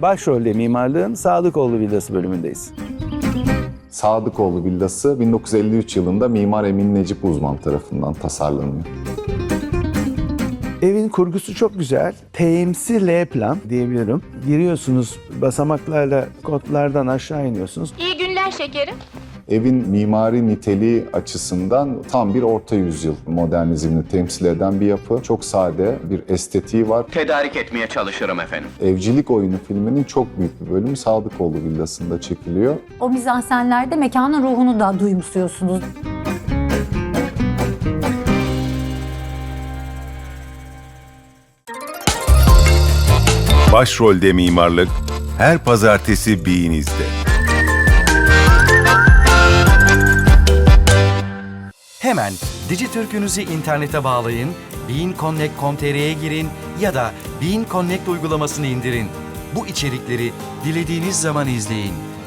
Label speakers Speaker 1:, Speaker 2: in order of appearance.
Speaker 1: Başrolde mimarlığın Sadıkoğlu Villası bölümündeyiz.
Speaker 2: Sadıkoğlu Villası 1953 yılında Mimar Emin Necip Uzman tarafından tasarlanıyor.
Speaker 1: Evin kurgusu çok güzel. Temsil L plan diyebilirim. Giriyorsunuz basamaklarla kotlardan aşağı iniyorsunuz.
Speaker 3: İyi günler şekerim.
Speaker 2: Evin mimari niteliği açısından tam bir orta yüzyıl modernizmini temsil eden bir yapı. Çok sade bir estetiği var.
Speaker 4: Tedarik etmeye çalışırım efendim.
Speaker 2: Evcilik Oyunu filminin çok büyük bir bölümü Sadıkoğlu Villası'nda çekiliyor.
Speaker 5: O mizansenlerde mekanın ruhunu da duyumsuyorsunuz.
Speaker 6: Başrolde mimarlık her pazartesi Bean'izde.
Speaker 7: Hemen Dijitürk'ünüzü internete bağlayın, beanconnect.com.tr'ye girin ya da Bean Connect uygulamasını indirin. Bu içerikleri dilediğiniz zaman izleyin.